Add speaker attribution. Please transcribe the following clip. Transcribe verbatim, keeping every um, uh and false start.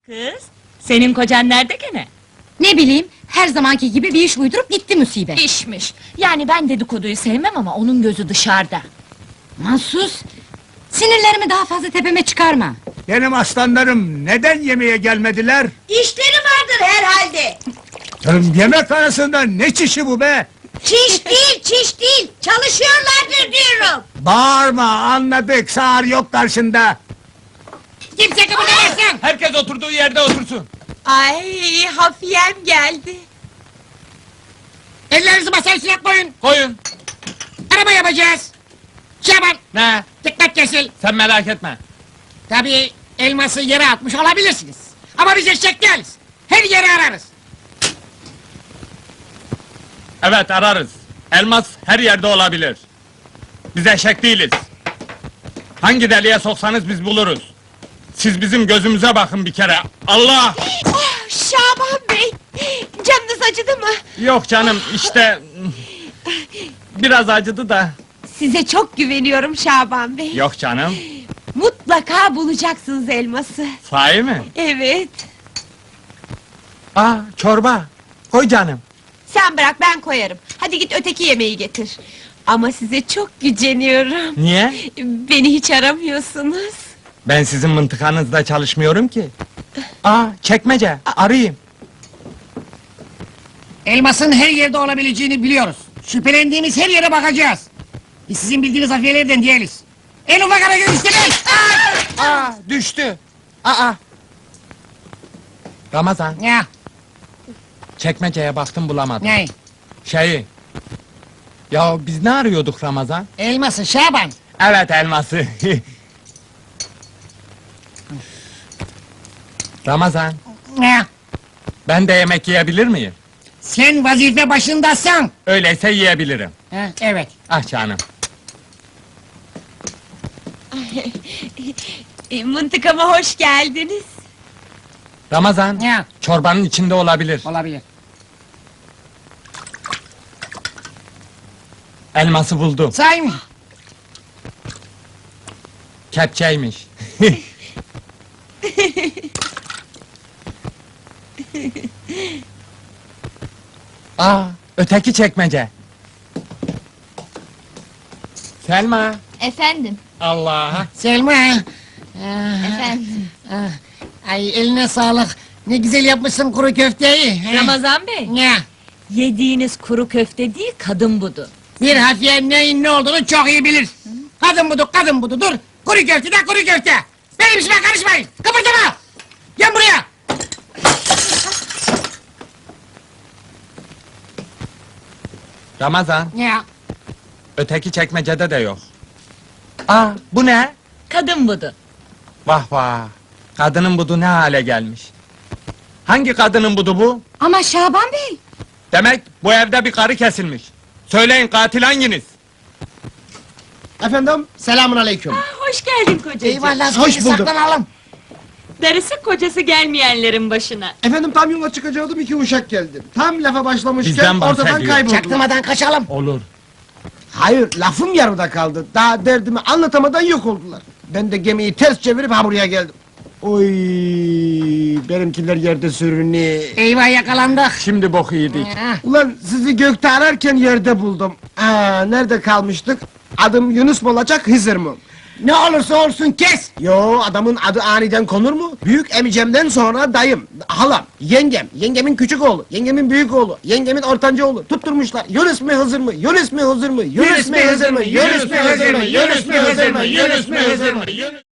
Speaker 1: Kız, senin kocan nerede gene?
Speaker 2: Ne bileyim, her zamanki gibi bir iş uydurup gitti musibet.
Speaker 1: İşmiş. Yani ben dedikoduyu sevmem ama onun gözü dışarıda.
Speaker 2: Mahsus! Sinirlerimi daha fazla tepeme çıkarma.
Speaker 3: Benim aslanlarım neden yemeğe gelmediler?
Speaker 4: İşleri vardır herhalde.
Speaker 3: Canım, yemek arasında ne çişi bu be?
Speaker 4: Çiş değil, çiş değil. Çalışıyorlardır diyorum.
Speaker 3: Bağırma, anladık, sağır yok karşında.
Speaker 4: Kimse kıpırdamasın.
Speaker 5: Herkes oturduğu yerde otursun.
Speaker 4: Ay, hafiyem geldi.
Speaker 6: Ellerinizi masaya üstüne koyun.
Speaker 5: Koyun.
Speaker 6: Araba yapacağız. Şaban,
Speaker 5: Ne?
Speaker 6: dikkat kesil.
Speaker 5: Sen merak etme.
Speaker 6: Tabii elması yere atmış olabilirsiniz. Ama biz eşek değiliz. Her yeri ararız.
Speaker 5: Evet, ararız. Elmas her yerde olabilir. Biz eşek değiliz. Hangi deliğe soksanız biz buluruz. Siz bizim gözümüze bakın bir kere. Allah!
Speaker 4: Oh, Şaban Bey, canınız acıdı mı?
Speaker 5: Yok canım, işte... Biraz acıdı da.
Speaker 4: Size çok güveniyorum Şaban Bey.
Speaker 5: Yok canım.
Speaker 4: Mutlaka bulacaksınız elması.
Speaker 5: Sahi mi?
Speaker 4: Evet.
Speaker 5: Aa, çorba. Koy canım.
Speaker 4: Sen bırak, ben koyarım. Hadi git öteki yemeği getir. Ama size çok güceniyorum.
Speaker 5: Niye?
Speaker 4: Beni hiç aramıyorsunuz.
Speaker 5: Ben sizin mıntıkanızda çalışmıyorum ki. Aa, çekmece. Arayayım.
Speaker 6: Elmasın her yerde olabileceğini biliyoruz. Şüphelendiğimiz her yere bakacağız. Biz sizin bildiğiniz hafiyelerden değiliz. En ufak hareket istemez.
Speaker 5: Aa, düştü. Aa. Ramazan,
Speaker 6: Ya,
Speaker 5: çekmeceye baktım bulamadım.
Speaker 6: ne?
Speaker 5: Şeyi. Ya biz ne arıyorduk Ramazan?
Speaker 6: Elması Şaban.
Speaker 5: Evet, elması. Ramazan,
Speaker 6: Ya,
Speaker 5: ben de yemek yiyebilir miyim?
Speaker 6: sen vazife başındasın.
Speaker 5: Öyleyse yiyebilirim.
Speaker 6: Ha, evet.
Speaker 5: Ah canım.
Speaker 4: E, Mıntıkama hoş geldiniz.
Speaker 5: Ramazan,
Speaker 6: Ya,
Speaker 5: çorbanın içinde olabilir.
Speaker 6: olabilir.
Speaker 5: Elması buldum.
Speaker 6: Say mı?
Speaker 5: Kepçeymiş. Aa, öteki çekmece. Selma.
Speaker 1: Efendim,
Speaker 5: Allah.
Speaker 6: Selma. Ah,
Speaker 1: efendim.
Speaker 6: ah, Ay eline sağlık. Ne güzel yapmışsın kuru köfteyi. Ha.
Speaker 1: Ramazan Bey,
Speaker 6: Ya,
Speaker 1: yediğiniz kuru köfte değil, kadın budu.
Speaker 6: bir hafiye neyin ne olduğunu çok iyi bilir. Kadın budu, kadın budu, dur. Kuru köfte de kuru köfte. Benim işime karışmayın. Kıpırdama. Gel buraya.
Speaker 5: Ramazan,
Speaker 6: Ya,
Speaker 5: öteki çekmecede de yok. Aa, bu ne?
Speaker 1: Kadın budu.
Speaker 5: Vah vah. Kadının budu ne hale gelmiş. Hangi kadının budu bu?
Speaker 2: Ama Şaban Bey!
Speaker 5: Demek bu evde bir karı kesilmiş. Söyleyin, katil hanginiz?
Speaker 7: Efendim, selamun aleyküm.
Speaker 1: Hoş geldin kocacığım.
Speaker 6: eyvallah.
Speaker 7: Hoş
Speaker 6: seni
Speaker 7: bulduk.
Speaker 6: Saklanalım.
Speaker 1: Darısı kocası gelmeyenlerin başına.
Speaker 7: Efendim, tam yola çıkacaktım, iki uşak geldi. Tam lafa başlamışken
Speaker 5: Bizden
Speaker 7: ortadan
Speaker 5: bahsediyor.
Speaker 7: kayboldular.
Speaker 6: Çaktırmadan kaçalım.
Speaker 5: Olur.
Speaker 7: Hayır, lafım yarıda kaldı. Daha derdimi anlatamadan yok oldular. Ben de gemiyi ters çevirip ha buraya geldim. Oy, benimkiler yerde sürünüyor.
Speaker 6: Eyvah yakalandık.
Speaker 5: Şimdi boku yedik.
Speaker 6: Ha,
Speaker 7: Ulan sizi gökte ararken yerde buldum. Aa, nerede kalmıştık? Adım Yunus mu olacak, Hızır mı?
Speaker 6: ne olursa olsun kes.
Speaker 7: Yo, adamın adı aniden konur mu? Büyük emicemden sonra dayım, halam, yengem, yengemin küçük oğlu, yengemin büyük oğlu, yengemin ortanca oğlu tutturmuşlar. Yunus mu Hızır mı? Yunus mu Hızır mı? Yunus mu Hızır mı? Yunus mu Hızır mı? Yunus mu Hızır mı? Yunus mu Hızır mı?